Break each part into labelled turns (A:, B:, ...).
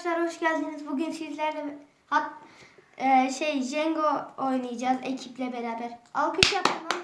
A: arkadaşlar, hoş geldiniz. Bugün sizlerle Jenga oynayacağız ekiple beraber. Alkış yapın lan.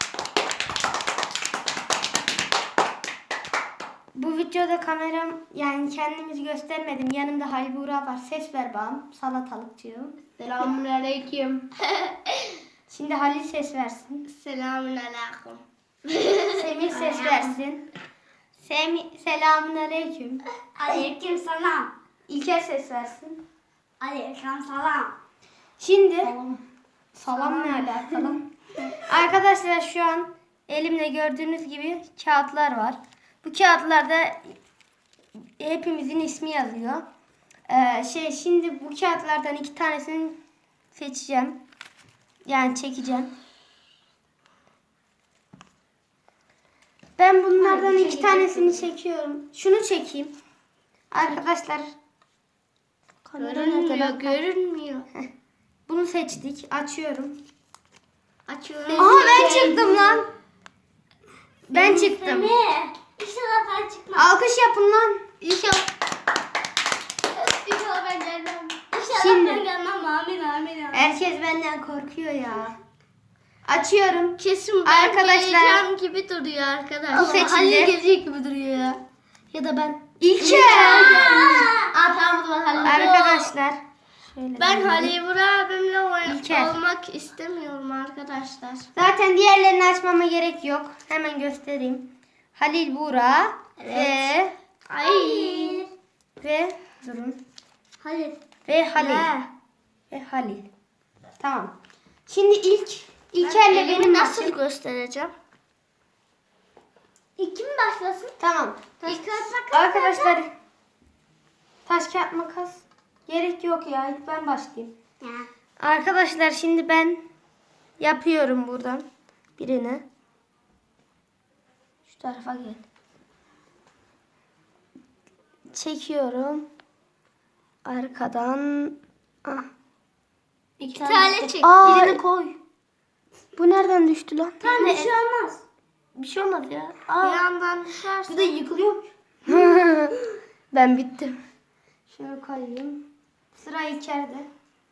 A: Bu videoda kameram, yani kendimizi göstermedim. Yanımda Halil Buğra var. Ses ver bağım. Salatalıkçığım.
B: Selamünaleyküm.
A: Şimdi Halil ses versin.
B: Selamünaleyküm.
A: Semih ses versin. Selamünaleyküm.
B: Aleyküm selam.
A: İlker ses versin.
B: Aleyküm selam.
A: Şimdi salam ne alakalı? Arkadaşlar, şu an elimde gördüğünüz gibi kağıtlar var. Bu kağıtlarda hepimizin ismi yazıyor. Şimdi bu kağıtlardan 2 tanesini seçeceğim. Yani çekeceğim. Ben bunlardan 2 tanesini çekiyorum. Şunu çekeyim. Arkadaşlar,
B: Görünmüyor.
A: bunu seçtik. Açıyorum.
B: Açıyorum.
A: Aha, ben çıktım lan. Ben çıktım.
B: İnşallah ben çıkmam.
A: Alkış yapın lan.
B: İnşallah ben gelmem. İnşallah
A: Şimdi-
B: ben gelmem. Amin.
A: Herkes benden korkuyor ya. Açıyorum.
B: Kesin
A: Arkadaşlar-
B: geleceğim gibi duruyor arkadaşlar.
A: Bu seçildi.
B: Halil gelecek gibi duruyor ya. Ya da ben.
A: İlker.
B: Tamam Halil.
A: Arkadaşlar. Şöyle
B: Ben
A: döneyim.
B: Halil Burak abimle
A: İlker.
B: olmak istemiyorum arkadaşlar.
A: Zaten diğerlerini açmama gerek yok. Hemen göstereyim. Halil Buğra
B: Ay.
A: ve durun.
B: Halil.
A: Ve Halil. Ve Halil. Tamam. Şimdi İlker'le benim
B: nasıl
A: maçım.
B: göstereceğim? Kim başlasın?
A: Tamam.
B: Taş kağıt makas.
A: Arkadaşlar, taş kağıt makas gerek yok ya. İlk ben başlayayım.
B: Ya.
A: Arkadaşlar, şimdi ben yapıyorum buradan birini. Şu tarafa gel. Çekiyorum. Arkadan.
B: İki tane çek.
A: Birini koy. Bu nereden düştü lan?
B: Tamam bir şey olmaz.
A: Bir şey olmaz ya.
B: Bir yandan düşerse.
A: Bu da yıkılıyor. Ben bittim. Şöyle koyayım. Sıra İlker'de.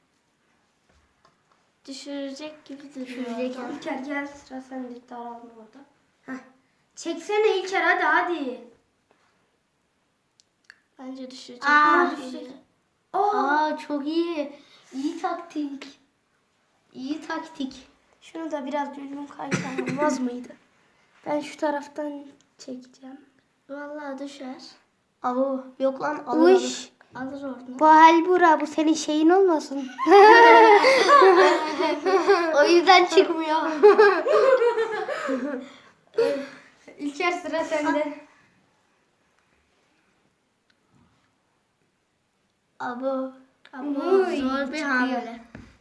B: Düşürecek gibi duruyor.
A: İlker gel, sıra sende. Daralma orada. Heh. Çeksene İlker, hadi.
B: Bence düşürecek.
A: düşecek. Aa, çok iyi. İyi taktik. İyi taktik. Şunu da biraz düzgün kaysam olmaz mıydı? Ben şu taraftan çekeceğim.
B: Vallahi düşer.
A: Alo.
B: Yok lan
A: Uş.
B: Alır oradan.
A: Bu Halbura, bu senin şeyin olmasın.
B: O yüzden çıkmıyor.
A: İlker, sıra sende.
B: Abo.
A: Uy,
B: Zor bir
A: çıkıyor.
B: hamle.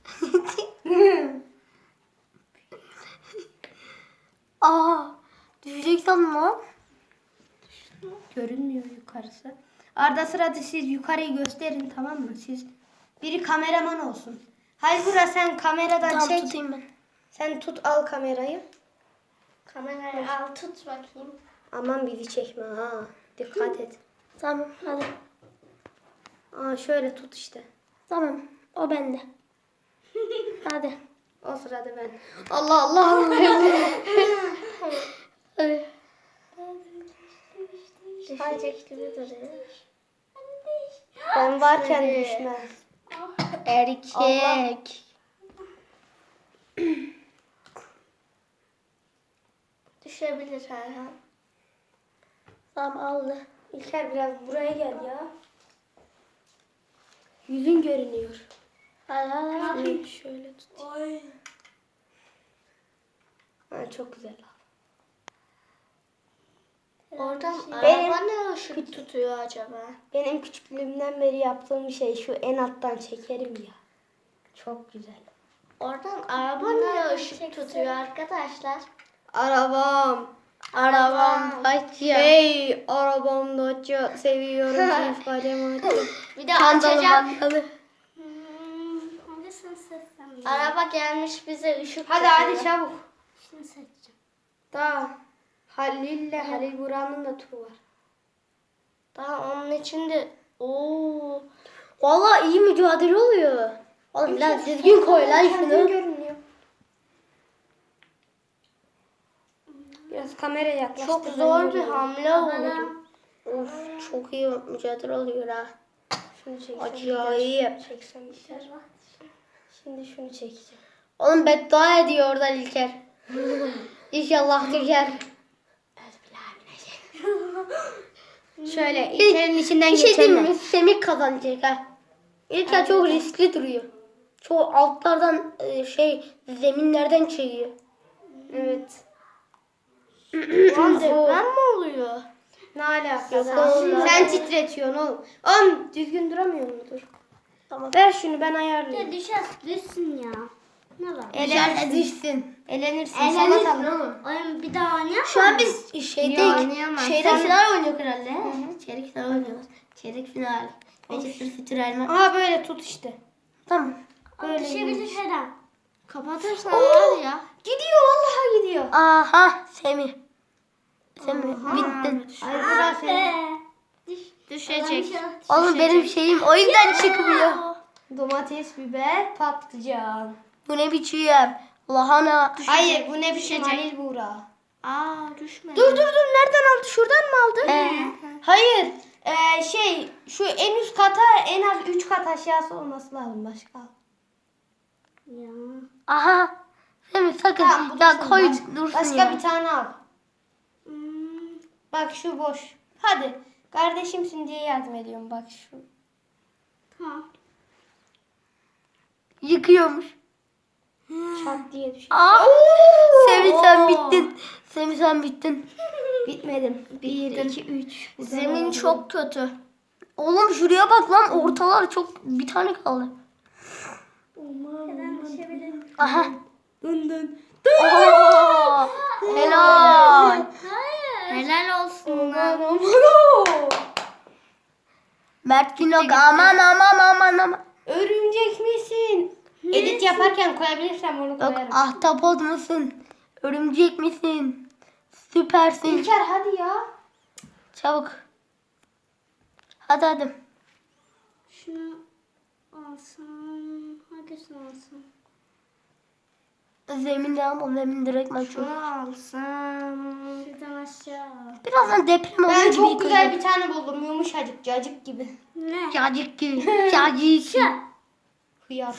A: Düşecek sandım lan. Görünmüyor yukarısı. Arada sırada siz yukarıyı gösterin, tamam mı? Siz biri kameraman olsun. Halbura, sen kameradan çek.
B: Tutayım ben.
A: Sen tut, al kamerayı.
B: Kamerayı al tut bakayım.
A: Aman bizi çekme ha. Dikkat et.
B: Tamam hadi.
A: Şöyle tut işte.
B: Tamam o bende. Hadi.
A: O sırada ben. Allah Allah.
B: Düşecek gibi duruyor.
A: Ben varken düşmez.
B: Erkek. Düşebilir her an. Tamam aldı.
A: İlker, biraz buraya gel ya. Yüzün görünüyor.
B: Hadi.
A: Şöyle tut. Çok güzel.
B: Oradan
A: Benim-
B: araba ne ışık tutuyor acaba?
A: Benim küçüklüğümden beri yaptığım bir şey, şu en alttan çekerim ya. Çok güzel.
B: Oradan araba ne ışık tutuyor arkadaşlar?
A: Arabam.
B: Dacia.
A: Hey, arabam Dacia. Seviyorum çift kadem.
B: Bir de açacağım.
A: Hadi
B: Araba gelmiş bize ışık
A: hadi
B: tutuyor.
A: çabuk.
B: Şimdi seçeceğim.
A: Daha Halil Buran'ın da turu var.
B: Daha onun içinde Vallahi iyi mücadele oluyor. Oğlum biraz düzgün koy lan
A: Kendin
B: şunu.
A: görünüyor. Biraz kameraya yaklaş.
B: Çok zor bir hamle oldu. Of çok iyi mücadele oluyor ha.
A: Şunu çeksem
B: Acayip.
A: gider. Çeksem gider. Şimdi şunu çekeceğim.
B: Oğlum beddua ediyor oradan İlker. İnşallah düşer.
A: Şöyle İlker'in içinden
B: Bir şey diyeyim
A: geçenler.
B: mi? Semih kazanacak ha. İlker çok riskli duruyor. Çok altlardan zeminlerden çekiyor.
A: Evet.
B: Lan
A: Deprem mi oluyor? Ne alaka?
B: Yok oğlum.
A: Sen titretiyorsun oğlum. Oğlum düzgün duramıyor mudur?
B: Tamam.
A: Ver şunu ben ayarlayayım.
C: Düşsün ya. Ne var?
B: Düşerse düşsün.
A: Elenirsin.
C: Eğlenirsin
A: Salata.
C: oğlum. Oyun bir daha oynayalım.
B: Şu an biz
A: Ya,
B: şeyde
A: oynayamam. Sen-
B: final oynuyor herhalde. Çeyrek final oynuyoruz. Çeyrek final. Manchester City Real Madrid.
A: Aha böyle tut işte.
B: Tamam.
A: Böyle
C: Düşebilir her an.
A: Kapatırsan var ya. Gidiyor vallahi gidiyor.
B: Aha Semih. Semih bittin.
A: Ay burası.
C: Düşecek.
B: Oğlum benim şeyim o yüzden çıkmıyor.
A: Domates, biber, patlıcan.
B: Bu ne biçim? Lahana.
A: Hayır bu ne biçim Halil Buğra.
C: Aa düşmedi.
A: Dur nereden aldı? Şuradan mı aldı?
B: He.
A: Hayır. Şu en üst kata en az 3 kat aşağısı olması lazım başka.
C: Ya.
B: Aha. Semih sakın.
A: Tamam, bu
B: Ya
A: dursun
B: koy
A: bak.
B: dursun
A: Başka
B: ya.
A: bir tane al.
C: Hmm.
A: Bak şu boş. Hadi. Kardeşimsin diye yardım ediyorum bak şu.
C: Tamam.
B: Yıkıyormuş.
A: Çat diye düşüyor.
B: Aa. Semih sen bittin. Semih sen bittin.
A: Bitmedim. 1, 2, 3.
C: Zemin çok kötü.
B: Oğlum şuraya bak lan ortalar çok bir tane kaldı.
C: Neden düşebilir?
B: Aha.
A: Dın dın.
B: Oo. Helal.
C: Hayır. Helal olsun.
B: Mert Günok aman.
A: Örümcek misin? Edit yaparken koyabilirsem onu
B: Yok
A: koyarım.
B: ahtapot musun? Örümcek misin? Süpersin.
A: İlker hadi ya.
B: Çabuk. Hadi.
C: Şunu alsam. Hangisini alsam?
B: Zeminde ama zemin direkt maç yok.
A: Şunu alsam.
C: Şuradan aşağı.
B: Birazdan deprem oluyor
A: Ben
B: gibi
A: çok güzel
B: yıkılacak.
A: bir tane buldum. Yumuşacık cacık gibi.
C: Ne?
B: Cacık gibi. Cacık gibi.
A: Hıyar.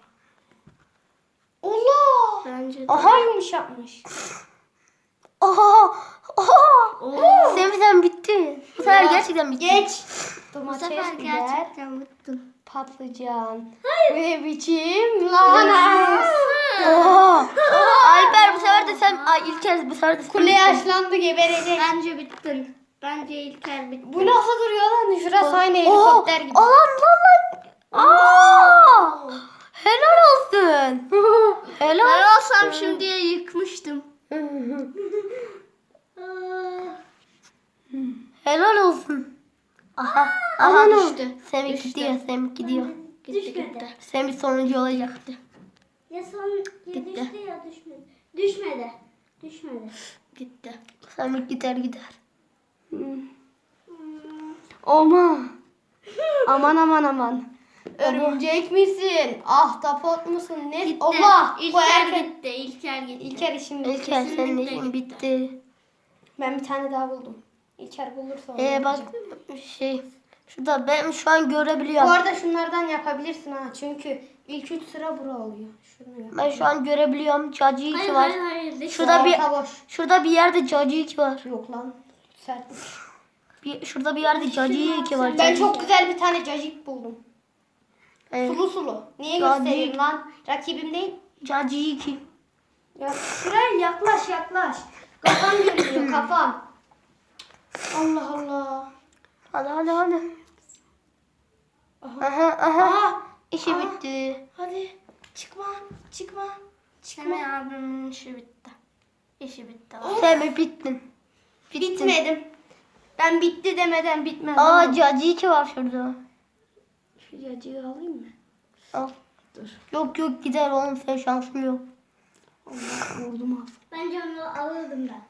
A: Allah.
C: Bence de.
A: Aha yumuşakmış.
B: Oha. Semih sen bitti. Bu sefer gerçekten bitti.
A: Geç.
C: Bu
A: Domates,
C: sefer
A: biber,
C: gerçekten bittim.
A: patlıcan. Bu ne biçim lahana.
B: Oha. Alper bu sefer de sen. Ay İlker bu sefer de sen
A: Kule
B: bittin.
A: yaşlandı geberecek.
C: Bence bittin. Bence İlker bitti.
A: Bu nasıl duruyor lan? Şurası aynı
B: Oha.
A: helikopter gibi.
B: Lan. Aa. Helal olsun. Helal.
C: Ben olsam şimdiye yıkmıştım.
B: Helal olsun. Aha.
A: Aha, ne
B: düştü. Semih gidiyor. Semih gidiyor.
C: Düşmedi.
B: Semih sonuncu olacaktı.
C: Ya son ya düştü ya düşmedi. Düşmedi. Düşmedi.
B: Gitti. Semih gider.
A: Aman. Örümcek misin? Ahtapot musun? Ne?
C: Gitti.
A: Allah. Bu
C: İlker
A: erkek.
C: gitti. İlker gitti.
A: İlker işim bitti.
B: İlker senin işin bitti.
A: Ben bir tane daha buldum. İlker bulursa onu
B: Bak
A: yapacağım.
B: şurada ben şu an
A: Bu
B: görebiliyorum.
A: arada şunlardan yapabilirsin ha. Çünkü ilk 3 sıra bura oluyor. Şunu yap.
B: Ben şu an görebiliyorum. Cacı 2
C: Hayır
B: var.
C: hayır. Düşmedi.
B: Şurada bir yerde cacı 2 var.
A: Yok lan. Sertmiş.
B: Şurada bir yerde cacı 2 var.
A: Ben
B: Cacık.
A: çok güzel bir tane cacık buldum.
B: Evet.
A: Sulu. Niye
B: Cacık.
A: göstereyim lan? Rakibim değil.
B: Cacı 2.
A: Ya şuraya yaklaş. Kafam görünüyor kafam. Allah.
B: Hadi. Aha. İşi bitti.
A: Hadi. Çıkma.
C: Semih abimin işi bitti. İşi bitti.
B: Semih bittin.
A: Bitmedim. Ben bitti demeden bitmez.
B: Aa cacı 2 var şurada.
A: Şu cacığı alayım mı?
B: Al.
A: Dur.
B: Yok gider oğlum sen şansın yok.
A: Allah vurdum az.
C: Bence onu alırdım ben.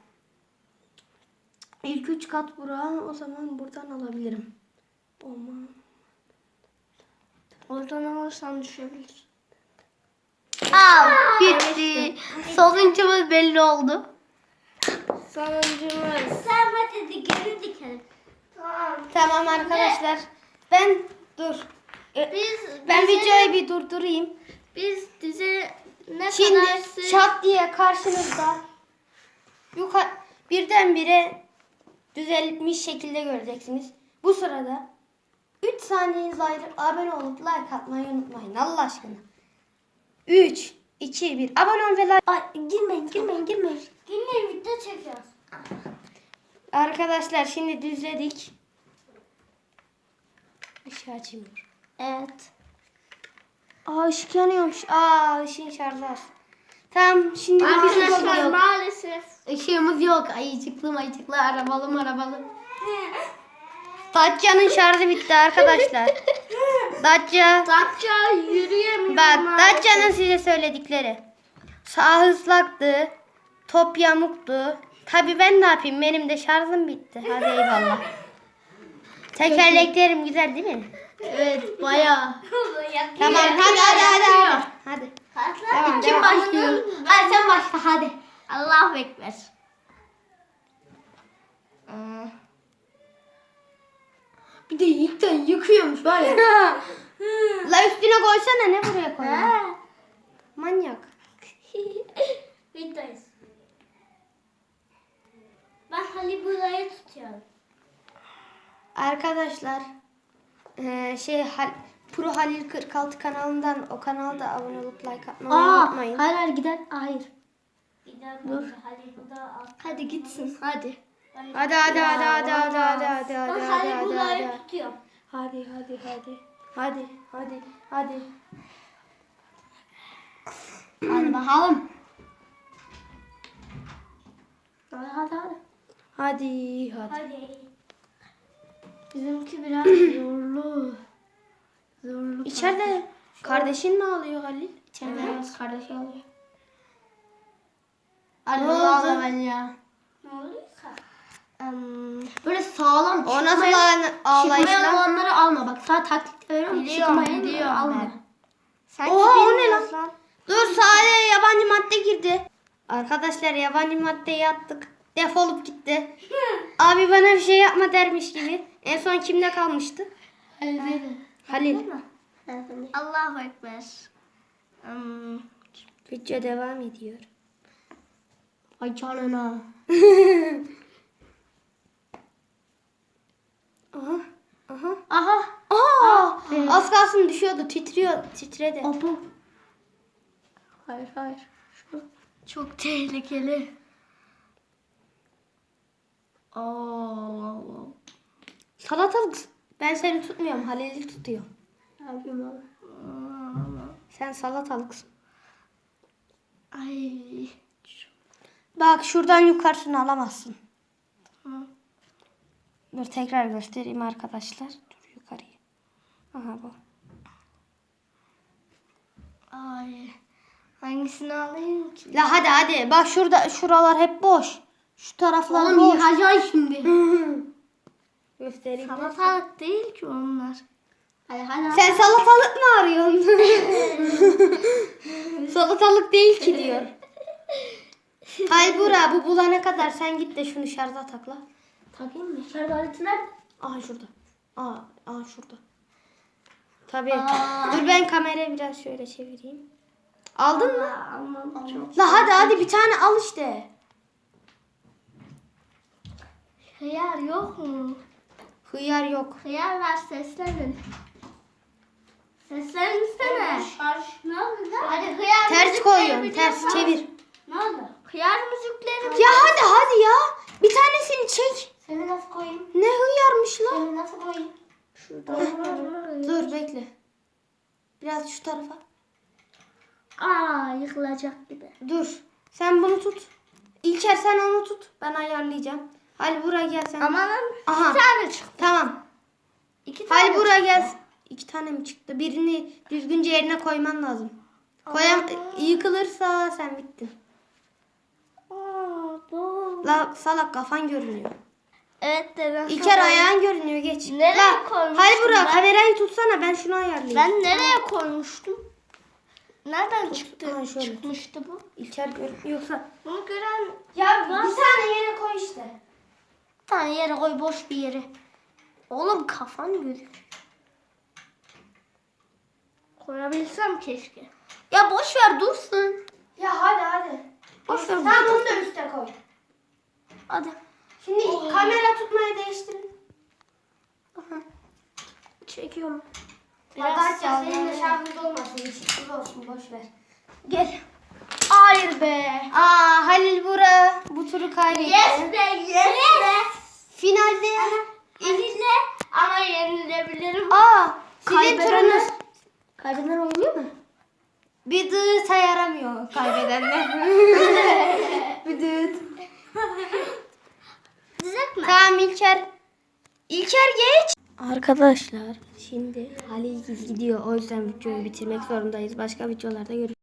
A: İlk 3 kat bura o zaman buradan alabilirim. Aman. Oradan alırsan düşebilir.
B: Aa, bitti. Sonuncumuz belli oldu.
A: Sonuncumuz.
C: Sen hadi geri dikelim.
A: Tamam arkadaşlar. Dur. Ben
C: bize-
A: videoyu bir durdurayım.
C: Biz dize ne
A: Şimdi
C: kadar sür-
A: şat diye karşınızda birdenbire düzelmiş şekilde göreceksiniz. Bu sırada 3 saniyeniz ayırıp abone olup like atmayı unutmayın Allah aşkına. 3, 2, 1 abone ol ve like. Ay, girmeyin.
C: Yine video çekiyoruz.
A: Arkadaşlar şimdi düzledik. Işığı açayım.
C: Evet.
A: Aa ışık yanıyormuş. Aa ışığın şarjı az. Tamam şimdi
C: Arkadaşlar
B: yok.
C: maalesef.
B: Işığımız yok. Ayıcıklı arabalı.
A: Dacia'nın şarjı bitti arkadaşlar. Dacia.
C: Datça yürüyemiyor.
A: Bak
C: maalesef.
A: Dacia'nın size söyledikleri. Sağ ıslaktı. Top yamuktu. Tabi ben ne yapayım? Benim de şarjım bitti. Hadi eyvallah. Tekerleklerim güzel değil mi?
B: Evet bayağı.
A: Tamam hadi. Hadi. Tamam,
B: Kim
A: devam.
B: başlıyor? Hadi sen başla hadi.
C: Allahu Ekber.
B: Bir de ilkten yıkıyormuş var ya.
A: La üstüne koysana ne buraya koyuyorsun? Manyak.
C: Videoyuz. Ben Halil burayı tutuyorum.
A: Arkadaşlar Pro Halil 46 kanalından o kanalda abone olup like atmayı unutmayın.
B: hayır gider. Hayır.
C: Dur. Halil burada al.
B: Hadi gitsin hadi.
A: Hadi.
C: Ben Halil burayı tutuyorum.
A: Hadi.
B: Hadi bakalım. Hadi.
A: Hadi.
C: Hadi.
B: Bizimki biraz zorlu.
A: İçeride kardeşin mi ağlıyor Halil?
B: Evet kardeşi alıyor.
A: Ne
B: Ne
A: oldu?
B: oldu ben ya?
C: Ne oluyorsa.
B: Böyle sağlam
A: O nasıl ağlayış
B: çıkmayan
A: lan?
B: olanları alma. Bak sana taktik veriyorum. Çıkmayan alma.
A: Oha o ne lan? Dur sadece yabancı madde girdi. Arkadaşlar yabancı maddeyi attık. Defolup gitti. Abi bana bir şey yapma dermiş gibi. En son kimde kalmıştı? Halil.
C: Allahu Ekber.
A: Video devam ediyor.
B: Ay canına.
A: Aha.
B: Aha.
A: Aa! Az kalsın düşüyordu. Titredi.
B: Abu. Hayır. Şu. Çok tehlikeli. Oo.
A: Salatalık. Ben seni tutmuyorum. Halil'i tutuyor.
B: Ne yapayım abi?
A: Sen salatalıksın.
B: Ay.
A: Bak şuradan yukarısını alamazsın. Dur tekrar göstereyim arkadaşlar. Dur yukarıyı. Aha bu.
B: Ay. Hangisini alayım ki?
A: La hadi. Bak şuralar hep boş. Şu taraflar
B: Oğlum
A: boş.
B: yıkacaksın şimdi.
A: Göstereyim.
B: Salatalık değil ki onlar. Hadi.
A: Sen salatalık mı arıyorsun? Salatalık değil ki diyor. Hay Bura bu bulana kadar sen git de şunu şarja takla.
B: Takayım mı? Şarj aleti nerede?
A: Aha şurada. Aa şurada. Tabii. Dur ben kamerayı biraz şöyle çevireyim. Aldın mı?
B: Almam çok.
A: La hadi bir tane al işte.
C: Hıyar yok mu?
A: Hıyar yok.
C: Hıyar ver seslenin. Sesleninsene. Ne oldu lan? Hadi hıyar
A: Ters
C: müzikleri
A: koyuyorsun.
C: biliyorsun.
A: Ters çevir.
C: Ne oldu? Hıyar müzikleri
A: Ya hadi ya. Bir tanesini çek.
B: Seni nasıl koyayım?
A: Ne hıyarmış lan.
B: Seni nasıl koyayım?
A: Dur bekle. Biraz şu tarafa.
C: Aa yıkılacak gibi.
A: Dur. Sen bunu tut. İlker sen onu tut. Ben ayarlayacağım. Hadi buraya gel sen.
C: Amanın
A: Aha.
C: bir tane çıktı.
A: Tamam.
C: İki tane
A: Hadi buraya
C: çıktı.
A: gel. 2 tane mi çıktı? Birini düzgünce yerine koyman lazım. Yıkılırsa sen bittin.
C: Aa bu.
A: La salak kafan görünüyor. Evet de ben
B: İlker ayağın görünüyor geç.
A: Nereye
B: La,
A: koymuştum
B: Hadi Burak
A: ben?
B: kamerayı tutsana ben şunu ayarlayayım.
A: Ben nereye koymuştum? Nereden çıktı?
B: Ha, şöyle.
A: Çıkmıştı bu.
B: İlker yoksa.
A: Bunu gören
B: Ya bir tane yere koy işte.
A: bir tane yere koy, boş bir yere. Oğlum kafan gözüküyor. Koyabilsem keşke. Ya boş ver dursun.
B: Ya hadi.
A: Boş ver.
B: Tamam bunu da üste koy.
A: Hadi.
B: Şimdi kamera tutmayı değiştirin.
A: Çekiyorum.
B: Arkadaşlar senin de şarjınız olmasın. Işıksız olsun boş ver.
A: Gel. Hayır be.
B: Halil Burak bu turu kaybetti.
C: Yes be yes be.
B: Finalde
C: Elinle ama yenilebilirim.
B: sizin turunuz.
A: Kaybeden oynuyor mu?
B: Bir dığı yaramıyor kaybedenler. Bir dığı.
C: Düzeltme.
B: Tamam İlker. İlker geç. Arkadaşlar şimdi Halil gidiyor. O yüzden videoyu bitirmek zorundayız. Başka videolarda görüşürüz.